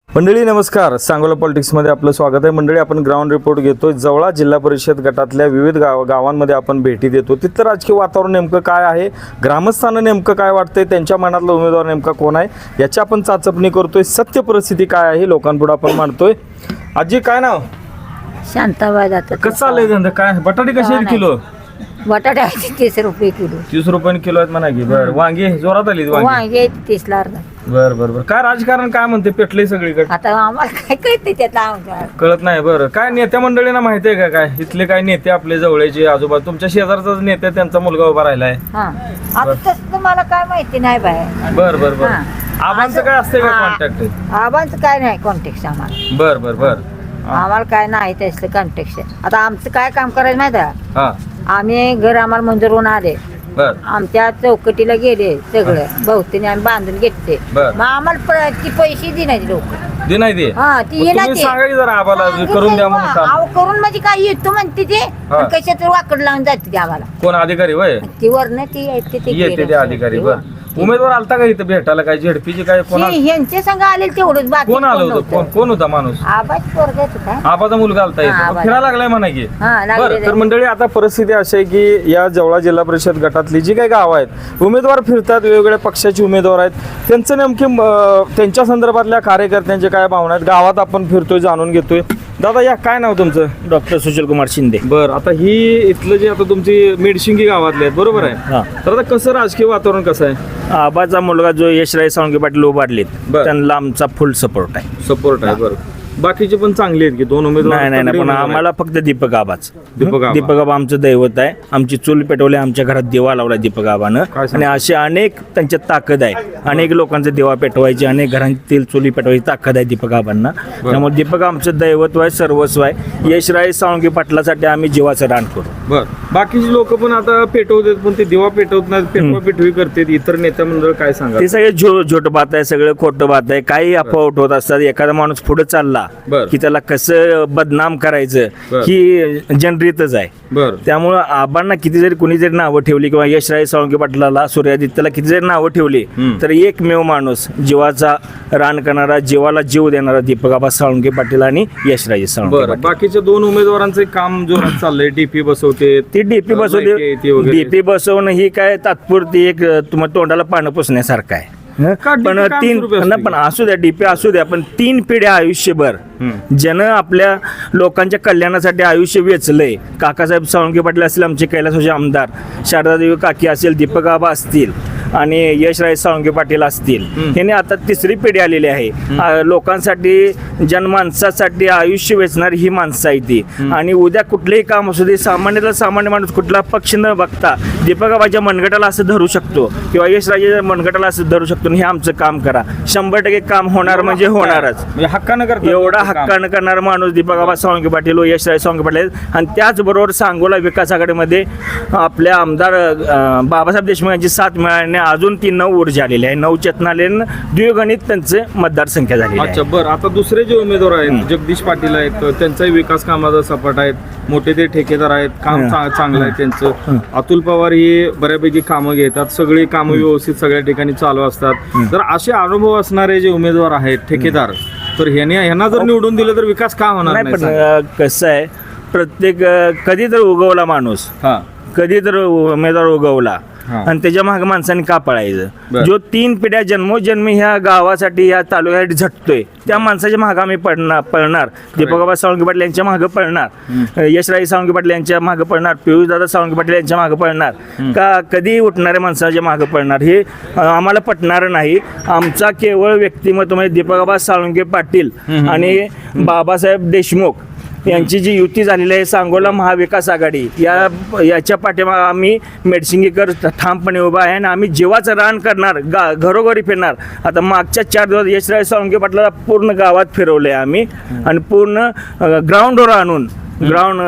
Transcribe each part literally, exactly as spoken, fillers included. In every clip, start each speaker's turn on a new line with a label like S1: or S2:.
S1: मंडळी नमस्कार, सांगोला पॉलिटिक्समध्ये आपलं स्वागत आहे. मंडळी आपण ग्राउंड रिपोर्ट घेतोय. जवळा जिल्हा परिषद गटातल्या विविध गाव गावांमध्ये आपण भेटी देतो. तिथलं राजकीय वातावरण नेमकं काय आहे, ग्रामस्थांना नेमकं काय वाटतंय, त्यांच्या मनातला उमेदवार नेमका कोण आहे याची आपण चाचपणी करतोय. सत्य परिस्थिती काय आहे लोकांपुढे आपण मांडतोय. आजी काय नाव?
S2: शांताबाई जातात.
S1: कसं चाललंय धंदा? काय बटाटे कसे आहेत किलो?
S2: बटाटे आहेत तीस रुपये किलो.
S1: तीस रुपये किलो आहेत म्हणा की. बरं, वांगी जोरात आली वांगी?
S2: वांगे आहेत तीसला अर्धा.
S1: बरं बरं बरं. काय राजकारण काय म्हणते, पेटलंय सगळीकडे?
S2: आता आम्हाला काय कळते त्यातला
S1: कळत नाही. बरं, काय नेत्या मंडळींना माहिती आहे का काय इथले काय नेते आपले जवळचे आजोबा? तुमच्या शेजारचाच नेते, त्यांचा मुलगा उभा राहिलाय.
S2: हा आता तसं मला काय माहिती नाही बाय.
S1: बर बर बर.
S2: हा.
S1: आबांचं काय असते का
S2: हा.
S1: कॉन्टॅक्ट?
S2: आबांचं काय नाही कॉन्टॅक्ट आम्हाला.
S1: बर बर बर.
S2: आम्हाला काय नाही त्याचं कॉन्टॅक्ट. आता आमचं काय काम करायचं माहिती आहे?
S1: हा
S2: आम्ही घर आम्हाला मंजूर होऊन आले,
S1: बर
S2: आमच्या चौकटीला गेले सगळं बहुतीने आम्ही बांधून घेतले.
S1: बर.
S2: मग आम्हाला प- ती पैसे देण्याचे लोक.
S1: दे नाही दे.
S2: हा ती
S1: मग
S2: येणार
S1: तुम्ही
S2: ते.
S1: सांगा की जरा आबाला करून द्या म्हणून काम.
S2: अहो, करून म्हणजे काय येतो म्हणते ते,
S1: हा.
S2: कशात वाकड लावून जाते ते आम्हाला.
S1: कोण अधिकारी वय
S2: ती वरनं ती येते ते
S1: येते ते
S2: गेलं.
S1: अधिकारी? बर. उमेदवार आलता का इथं भेटायला? काय झेडपीची काय कोण आल-
S2: ती ह्यांचे संघ आले तेवढंच, बाकी
S1: कोण आलं होतं? कोण कोण होता माणूस?
S2: आबाच पोरगा होता.
S1: आबाचा मुलगा आलता
S2: हा,
S1: इथं?
S2: आबाचा.
S1: फिरायला लागलाय म्हणा की.
S2: हा, लागलेलं
S1: बरं, तर
S2: आहे.
S1: मंडळी आता परिस्थिती अशी आहे की या जवळा जिल्हा परिषद गटातली जी काही गावं आहेत, उमेदवार फिरतात, वेगवेगळ्या पक्षाचे उमेदवार आहेत. त्यांचं नेमके अं, त्यांच्या संदर्भातल्या कार्यकर्त्यांचे काय भावना आहेत गावात आपण फिरतोय, जाणून घेतोय. दादा या, काय नाव तुमचं?
S3: डॉक्टर सुशील कुमार शिंदे.
S1: बरं, आता ही इथलं जे आता तुमची मेडशिंगी गावातले आहेत बरोबर आहे,
S3: हा.
S1: तर आता कसं राजकीय वातावरण कसं आहे?
S3: आबाचा मुलगा जो यशराज साळुंखे पाटील उभारलेत,
S1: बर.
S3: त्यांना आमचा फुल सपोर्ट आहे.
S1: सपोर्ट आहे. बरं, बाकीचे पण चांगले आहेत की दोन उमेदवार?
S3: नाही नाही नाही,
S1: तगडे
S3: पण
S1: उमेदवार आहेत.
S3: आम्हाला फक्त दीपक आबाच.
S1: दीपक आबा.
S3: दीपक आबा आमचं दैवत आहे. आमची चूल पेटवली, आमच्या घरात दिवा लावला दीपक आबानं.
S1: काय सांगता?
S3: आणि असे अनेक त्यांच्यात ताकद आहे. अनेक लोकांचा दिवा पेटवायची, अनेक घरांतील चुली पेटवायची ताकद आहे दीपक आबांना. त्यामुळे दीपक आमचं दैवत्व आहे, सर्वस्व आहे. यशराज साळुंखे पाटलासाठी आम्ही जीवाचं रान करू.
S1: बर, बाकीचे लोक पण आता पेटवतात, पण ते दिवा पेटवत नाहीत, पेटवा पेटवी करतात. इतर नेत्या मंडळ काय सांगा?
S3: ते सगळे झो झोट बात आहे, सगळं खोटं बात आहे. काही अफवा उठवत असतात. एखादा माणूस पुढे चालला
S1: बर.
S3: की त्याला कसं बदनाम करायचं
S1: बर.
S3: ही जनरीतच आहे.
S1: बर
S3: त्यामुळं आबांना किती जरी कुणी जरी नावं ठेवली किंवा यशराज साळुंखे पाटलाला, सूर्यादित्याला किती जरी नावं ठेवली,
S1: हम्म.
S3: तर एकमेव माणूस जीवाचा रान करणारा, जीवाला जीव देणारा दीपक आबा साळुंखे पाटील आणि यशराज साळुंखे
S1: बर.
S3: पाटील.
S1: बाकीच्या दोन उमेदवारांचं काम जोरात चाललंय. डीपी बसवते,
S3: ती डीपी बसवली. डीपी बसवणं ही काय तात्पुरती एक तुम्हाला तोंडाला पानं पुसण्यासारखं आहे.
S1: का
S3: पण
S1: डीपी काम
S3: तीन
S1: स्वरूपी असते?
S3: ना, पण असू द्या, डीपी असू द्या, पण तीन पिढ्या आयुष्यभर ज्यानं आपल्या लोकांच्या कल्याणासाठी आयुष्य वेचलंय, काकासाहेब साळुंखे पाटील असतील, आमचे कैलासवासी आमदार शारदादेवी काकी असेल, दीपक आबा असतील आणि यशराज साळुंखे पाटील असतील, ह्याने आता तिसरी पिढी आलेली आहे. आ, लोकांसाठी, जनमानसासाठी आयुष्य वेचणारी ही माणसं आहे ती. आणि उद्या कुठलेही काम असू दे, सामान्याला सामान्य माणूस कुठला पक्ष न बघता दीपक आबाच्या मनगटाला असं धरू शकतो किंवा यशराजाच्या मनगटाला असं धरू शकतो. आणि हे आमचं काम करा, शंभर टक्के काम होणार म्हणजे होणारच.
S1: म्हणजे हक्कानं करतात
S3: एवढा
S1: काम.
S3: हक्कानं करणारा माणूस दीपक आबा साळुंखे पाटील व यशराज साळुंखे पाटील आहेत. आणि त्याचबरोबर सांगोला विकास आघाडीमध्ये आपल्या आमदार अं, बाबासाहेब देशमुख यांची साथ मिळाल्याने अजून ती नऊ ऊर्जा आलेली आहे. नऊ चेतना आलेली, द्विगणित त्यांचे मतदारसंख्या झालेली
S1: अच्छा.
S3: आहे.
S1: बरं, आता दुसरे जे उमेदवार आहेत जगदीश पाटील आहेत, त्यांचाही विकास कामाचा सपाट आहेत. मोठे ते ठेकेदार आहेत, काम चा- चांगलं आहे त्यांचं. अतुल पवार ही बऱ्यापैकी कामं घेतात, सगळी कामं व्यवस्थित सगळ्या ठिकाणी चालू असतात. तर असे अनुभव असणारे जे उमेदवार आहेत ठेकेदार, तर ह्याने ह्यांना जर निवडून दिलं तर विकास का होणार
S3: नाही,
S1: नाही?
S3: पण
S1: सांगा.
S3: अं, कसं आहे, प्रत्येक अं, कधी तर उगवला माणूस,
S1: हा
S3: कधी तर उमेदवार उगवला
S1: हा.
S3: आणि त्याच्या मागे माणसाने का पळायचं?
S1: बर.
S3: जो तीन पिढ्या जन्मोजन्मी ह्या गावासाठी, ह्या तालुक्यासाठी झटतोय, त्या माणसाच्या मागे आम्ही पडणार पळणार दीपक आबा साळुंखे पाटील यांच्या मागे पळणार, यशराज साळुंखे पाटील यांच्या मागे पळणार, पियुष दादा साळुंखे पाटील यांच्या मागे पळणार. का कधी उठणाऱ्या माणसाच्या मागे पळणार हे अं, आम्हाला पटणार नाही. आमचा केवळ व्यक्तिमत्व म्हणजे दीपक आबा साळुंखे पाटील आणि बाबासाहेब देशमुख यांची जी युती झालेली आहे, सांगोला महाविकास आघाडी, या याच्या पाठीमागे आम्ही मेडसिंगीकर ठामपणे उभा आहे. आणि आम्ही जीवाचं रान करणार, गा घरोघरी फिरणार. आता मागच्या चार दिवस यशराज साळुंखे पाटलाला पूर्ण गावात फिरवले आम्ही आणि पूर्ण ग्राउंडवर आणून ग्राउंड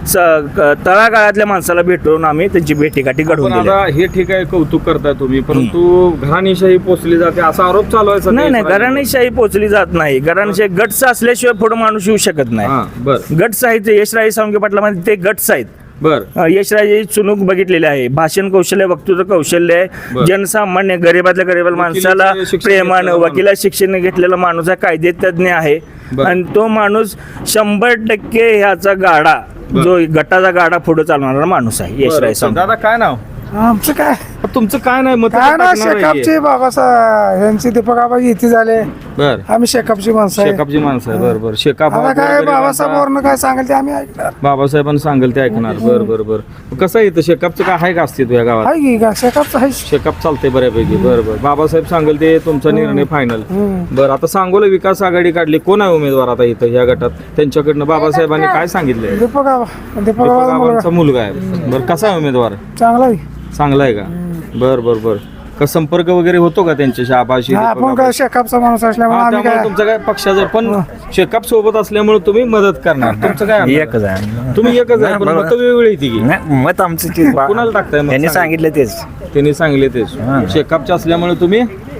S3: तळागाळातल्या माणसाला भेटून आम्ही त्यांची भेटीगाठी घडवून
S1: पण
S3: दिल्या.
S1: आता हे ठीक आहे, कौतुक करताय तुम्ही, परंतु घराणीशाही पोचली जाते असा आरोप चालू आहे सध्या.
S3: नाही नाही, घराणीशाही पोचली जात नाही. घराणीशाही गट्स असल्याशिवाय पुढे माणूस येऊ शकत
S1: हा,
S3: नाही.
S1: बरं.
S3: गट्स आहेत, यशराज साळुंखे पाटलामध्ये ते गट्स आहेत.
S1: बर
S3: अ, यशराजे चुनूक बघितलेले आहे. भाषण कौशल्य, वक्तृत्व कौशल्य
S1: बर.
S3: आहे. जनसामान्य गरिबातल्या गरीब माणसाला
S1: वकिलीचं शिक्षण
S3: प्रेमानं
S1: घेतलेला माणूस.
S3: वकिला शिक्षण घेतलेला माणूस आहे, कायदे तज्ञ आहे.
S1: बर.
S3: आणि तो माणूस शंभर टक्के ह्याचा गाडा
S1: बर.
S3: जो गटाचा गाडा पुढे चालवणारा माणूस आहे यशराज
S1: बरं.
S3: सावंत.
S1: दादा काय नाव
S4: आमचं काय
S1: तुमचं काय नाही मत
S4: काय ना शेकापचे बाबासाहेब यांचे दीपक आबा इथे झाले.
S1: बर
S4: आम्ही शेकापची माणसं आहे.
S1: शेकापची माणसं आहे बरं बरं शेकाप
S4: आता काय बाबासाहेब वरनं काय सांगेल ते आम्ही ऐकणार.
S1: बाबासाहेबांनी सांगेल ते ऐकणार बर बर बर कसं आहे इथं शेकापचं काय आहे का अस्तित्व या गावात
S4: आहे की का शेकापचं आहे.
S1: शेकाप चालते बऱ्यापैकी बरं बरं बाबासाहेब सांगेल ते तुमचा निर्णय फायनल बरं आता सांगोला विकास आघाडी काढली कोण आहे उमेदवार आता इथं या गटात त्यांच्याकडनं बाबासाहेबांनी काय सांगितलंय
S4: दीपक आबा दीपक
S1: दीपक
S4: आबा
S1: बाबांचा मुलगा आहे बरं कसा आहे उमेदवार
S4: चांगला आहे.
S1: चांगला आहे का बर बर बर का संपर्क वगैरे होतो का त्यांच्याशी आबाशी
S4: हा,
S1: दीपक
S4: आपण काय
S1: आबा?
S4: शेकापचा माणूस असल्यामुळे
S1: हा,
S4: आम्ही
S1: त्यामुळे
S4: काय
S1: तुमचं काय पक्षाचं पण शेकाप सोबत असल्यामुळे तुम्ही मदत करणार तुमचं काय म्हणणं?
S5: एकच आहे
S1: तुम्ही एकच आहे पण मतं वेगवेगळी येते की
S5: नाही, मत आमचं ते
S1: कुणाला टाकताय मत
S5: त्यांनी
S1: सांगा.
S5: सांगितलं तेच
S1: त्यांनी सांगले तेच शेकापचे असल्यामुळे तुम्ही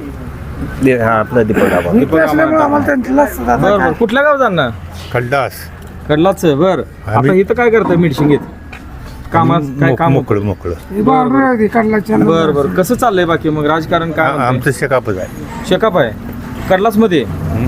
S5: दे- हा, आपलं दीपक आबा
S1: दीपक
S4: असल्यामुळे
S1: आम्हाला
S4: आम्हाला त्यांच्यालाच आता
S1: बर
S4: काय.
S1: बर कुठल्या गाव जाणार
S6: खड्डास
S1: कडलाच बर आता इथं काय करताय मेडिसिन कामात काय काम
S6: मोकळं मोकळं
S4: ही बाउंड्री आहे ती कडलाच्या.
S1: बर बर कसं चाललंय बाकी मग राजकारण काय म्हणतंय?
S6: आमचं शेकापच आहे.
S1: शेकाप आहे कडलाच मध्ये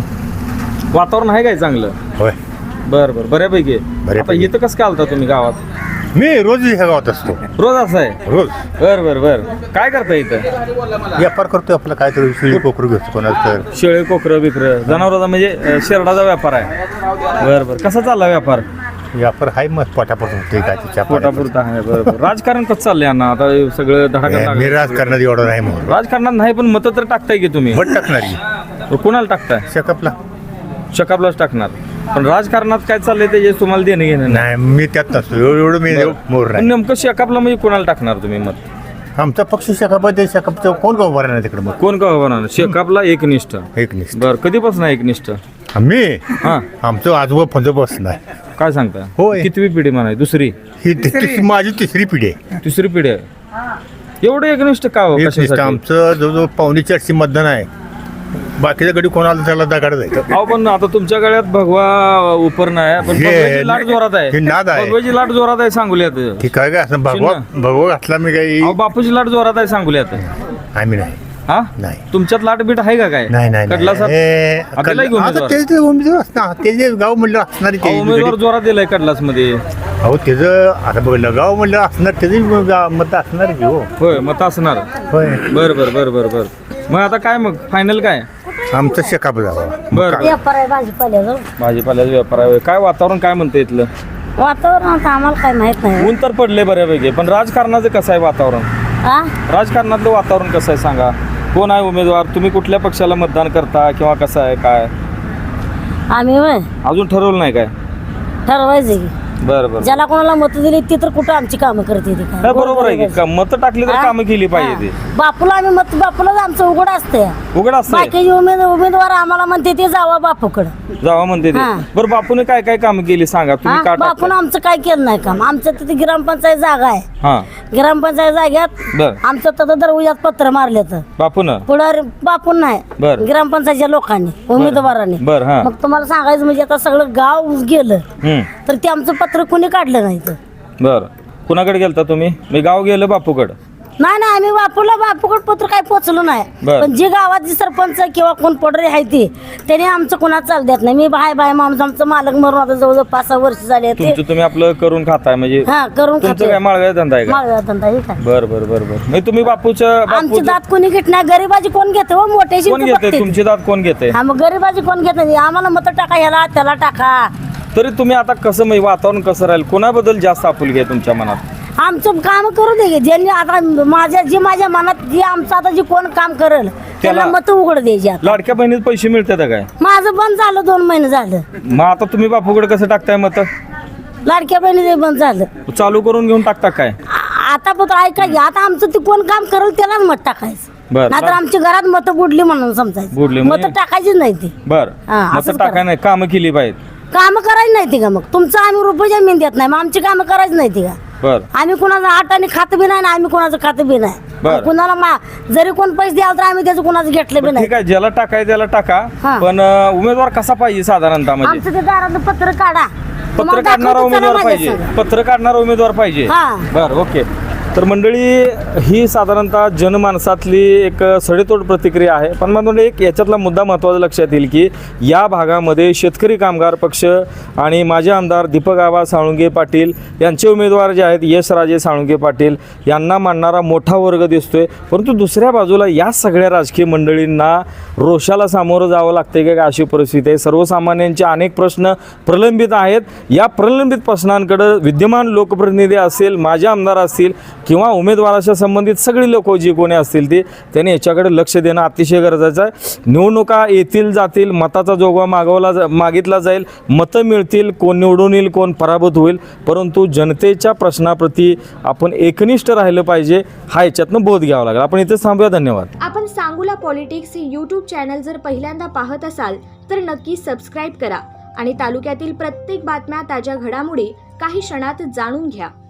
S1: वातावरण आहे काय चांगलं
S6: होय
S1: बर बर बऱ्यापैकी आहे. आता
S6: बऱ्यापैकी.
S1: इथं कसं काय आलता तुम्ही गावात
S6: मी रोज ह्या गावात असतो
S1: रोज असं आहे
S6: रोज
S1: बर बर बर काय करताय इथं
S6: व्यापार करतो आपला काहीतरी शिळी कोकरू घेतो कोणाचं तर
S1: शेळे कोकरं बिकर जनावरांचा म्हणजे अं, शेरडाचा व्यापार आहे बर बर कसा चालला व्यापार
S6: व्यापार हाय मग पोटापासून होते काय तिच्या
S1: पोटापुरता आहे बरोबर राजकारण कसं चाललंय अण्णा आता हे सगळं धडाका
S6: मी राजकारणात एवढं नाही म्हणून
S1: राजकारणात नाही पण मतं तर टाकताय की तुम्ही
S6: भट टाकणारी
S1: कुणाला टाकताय
S6: शेकापला
S1: शकापलाच टाकणार पण राजकारणात काय चाललंय त्याचे तुम्हाला देणं घेणं नाही
S6: नाही मी त्यात नसतो एवढं एवढं मी मोर
S1: पण
S6: नाही
S1: नेमकं शकापला म्हणजे कोणाला टाकणार तुम्ही मत
S6: आमचा पक्ष शेकाप आहे ते शेकापचं कोण गाव भरणार तिकडे मग
S1: कोण का होणार शेकापला एकनिष्ठ
S6: एक निष्ठ
S1: बर कधीपासून एकनिष्ठ
S6: मी
S1: हा
S6: आमचं आजोबा फंद बसणार
S1: काय सांगता
S6: होय.
S1: कितवी पिढी म्हणा दुसरी
S6: ही ति- तिस- माझी तिसरी पिढी आहे
S1: तिसरी पिढी आहे एवढं एकनिष्ठ का हो?
S6: एक निष्ठ
S1: कशासाठी?
S6: आमचं जवळजवळ पावणे चारशे मतदान आहे बाकीच्या गडी कोणाला त्याला दगाड जायचं
S1: अहो पण आता तुमच्या गळ्यात भगवा उपर नाही पण
S6: हे-
S1: भगव्याची लाट जोरात आहे
S6: हे नाद आहे.
S1: भगव्याची लाट जोरात आहे सांगुल्यात
S6: ठीक आहे का असं भगवा भगवा घातला मी काही
S1: अहो बापूची लाट जोरात आहे सांगुल्यात
S6: आम्ही नाही
S1: हा
S6: नाही
S1: तुमच्यात लाट बीट आहे का काय
S6: नाही नाही
S1: कडला साहेब
S6: हे,
S1: आपल्याला एक
S6: कडला- आता
S1: उमेदवार.
S6: ते जे उमेदवार असणार ते जे गाव म्हणलं असणार
S1: अहो, उमेदवार जोरात दिलाय कडलास मध्ये
S6: अहो त्याचं आता बघलं गाव म्हणलं असणार त्याचे मत असणार की हो
S1: होय मत असणार
S6: होय
S1: बर बर बर बर बर मग आता काय मग फायनल काय
S6: आमचं शेकाप जावं
S1: बर
S2: व्यापार आहे भाजीपाल्याचं
S1: भाजीपाल्याचा व्यापार आहे काय वातावरण काय म्हणतं इथलं
S2: वातावरण आता आम्हाला काय माहित नाही
S1: ऊन तर पडले बऱ्यापैकी पण राजकारणाचं कसं आहे वातावरण
S2: हा
S1: राजकारणातलं वातावरण कसं आहे सांगा कोण आहे उमेदवार तुम्ही कुठल्या पक्षाला मतदान करता किंवा कसं आहे काय
S2: आम्ही होय
S1: अजून ठरवलं नाही काय
S2: ठरवायचं की
S1: बरं बरं
S2: ज्याला कोणाला मत दिली ती तर कुठं आमची कामं करते ती काय
S1: नाही, बरोबर आहे की मतं टाकली तर
S2: हा?
S1: कामं केली पाहिजे
S2: हा. बापूला आम्ही मत बापूलाच आमचं उघड असते
S1: ते उघड असतं
S2: बाकीचे उमेद उमेदवार आम्हाला म्हणते ते जावा बापूकडं
S1: जावा म्हणते ते
S2: हा.
S1: बरं बापूने काय काय कामं केली सांगा तुम्ही
S2: हा?
S1: का
S2: बापून
S1: टाकता
S2: आमचं काय केलं नाही काम आमचं तिथे ग्रामपंचायत जागा आहे
S1: हा
S2: ग्रामपंचायत जाग्यात
S1: बर
S2: आमचं तर दरवाजात पत्र मारले तर
S1: बापून
S2: पुढे बापून नाही
S1: बर.
S2: ग्रामपंचायतच्या लोकांनी उमेदवारांनी
S1: बर हा
S2: मग तुम्हाला सांगायचं म्हणजे आता सगळं गाव गेलं
S1: हम्म
S2: तर ते आमचं पत्र कोणी काढलं नाही तर
S1: बर कुणाकडे गेलता तुम्ही मी गाव गेलो बापूकड
S2: नाही नाही आम्ही बापूला बापूकडे पत्र काही पोचलो नाही
S1: बर.
S2: पण जे गावातली सरपंच किंवा कोण पडरे आहे ते त्याने आमचं कोणा चाल देत नाही मी बाय बाय माणूस आमचं मालक मरून आता जवळजवळ पाच सहा वर्ष झाले ते
S1: तुमचं तुम्ही आपलं करून खाताय म्हणजे
S2: हा करून
S1: तुमचं
S2: खातो
S1: काय माळव्या धंदा आहे का
S2: माळव्या धंदा हे काय
S1: बर बर बर बर म्हणजे तुम्ही बापूच्या
S2: आमची
S1: बापूचं
S2: दात कोणी घेत नाही गरीबाची कोण घेते हो मोठ्याची
S1: कोण
S2: तर
S1: घेते
S2: बघते.
S1: तुमची दात कोण घेते
S2: हा मग गरीबाची कोण घेत नाही आम्हाला मत टाका ह्याला त्याला टाका
S1: तरी तुम्ही आता कसं म्हणजे वातावरण कसं राहील कोणाबद्दल जास्त आपुलकी आहे तुमच्या मनात
S2: आमचं काम करू दे की. ज्यांनी आता माझ्या जे माझ्या मनात जे आमचं आता जे कोण काम करेल त्याला
S1: त्याला-
S2: मत उघड द्यायची आता.
S1: लाडक्या बहिणीत पैसे मिळतात काय
S2: माझं बंद झालं दोन महिने झालं
S1: मग आता तुम्ही बापूकडे कसं टाकताय मत
S2: लाडक्या बहिणी बंद झालं
S1: चालू करून घेऊन टाकता काय
S2: आ- आता पण ऐका की आता आमचं ते कोण काम करेल त्यालाच मत टाकायचं
S1: बर
S2: नाहीतर आमच्या घरात मत बुडली म्हणून समजायचं
S1: बुडली
S2: मत
S1: म्हणजे?
S2: टाकायचीच नाही ती
S1: बर
S2: हा,
S1: मत
S2: असंच
S1: टाकाय
S2: करा.
S1: नाही कामं केली पाहिजे
S2: काम करायची नाही ती का मग तुमचं आम्ही रुपये जमीन देत नाही मग आमची कामं करायची नाही ती का
S1: बर
S2: आम्ही कुणाचं आटाने खात बी नाही आणि आम्ही कुणाचं खात बी नाही
S1: बरं.
S2: आणि कुणाला मा- जरी कोण पैसे द्याल तर आम्ही त्याचं कुणाचं घेतलं बी
S1: बरं,
S2: नाही
S1: ठीक आहे ज्याला टाकाय त्याला टाका
S2: हा.
S1: पण अं, उमेदवार कसा पाहिजे साधारणतः म्हणजे
S2: आमचं ते दारातलं पत्र काढा
S1: पत्र
S2: तुम्हाला
S1: काढणारा
S2: दाखवतो चला
S1: उमेदवार
S2: माझ्या
S1: पाहिजे
S2: संग.
S1: पत्र काढणारा उमेदवार पाहिजे
S2: हा.
S1: बर ओके. तर मंडळी ही साधारणतः जनमानसातली एक सडेतोड प्रतिक्रिया आहे. पण मग एक याच्यातला मुद्दा महत्त्वाचा लक्षात येईल की या भागामध्ये शेतकरी कामगार पक्ष आणि माजी आमदार दीपक आबा साळुंगे पाटील यांचे उमेदवार जे आहेत यशराजे साळुंगे पाटील यांना मानणारा मोठा वर्ग दिसतोय. परंतु दुसऱ्या बाजूला या सगळ्या राजकीय मंडळींना रोषाला सामोरं जावं लागते का अशी परिस्थिती आहे. सर्वसामान्यांचे अनेक प्रश्न प्रलंबित आहेत. या प्रलंबित प्रश्नांकडे विद्यमान लोकप्रतिनिधी असेल माजी आमदार असतील किंवा उमेदवाराच्या संबंधित सगळी लोक जी कोणी असतील ती त्यांनी याच्याकडे लक्ष देणं अतिशय गरजेचं आहे. निवडणुका येतील जातील मताचा जोगवा मागवला जा मागितला जाईल मतं मिळतील कोण निवडून येईल कोण पराभूत होईल परंतु जनतेच्या प्रश्नाप्रती आपण एकनिष्ठ राहिलं पाहिजे हा याच्यातनं बोध घ्यावा लागेल. आपण इथेच थांबूया. धन्यवाद.
S7: आपण सांगूला पॉलिटिक्स हे यूट्यूब चॅनल जर पहिल्यांदा पाहत असाल तर नक्की सबस्क्राईब करा आणि तालुक्यातील प्रत्येक बातम्या ताज्या घडामोडी काही क्षणात जाणून घ्या.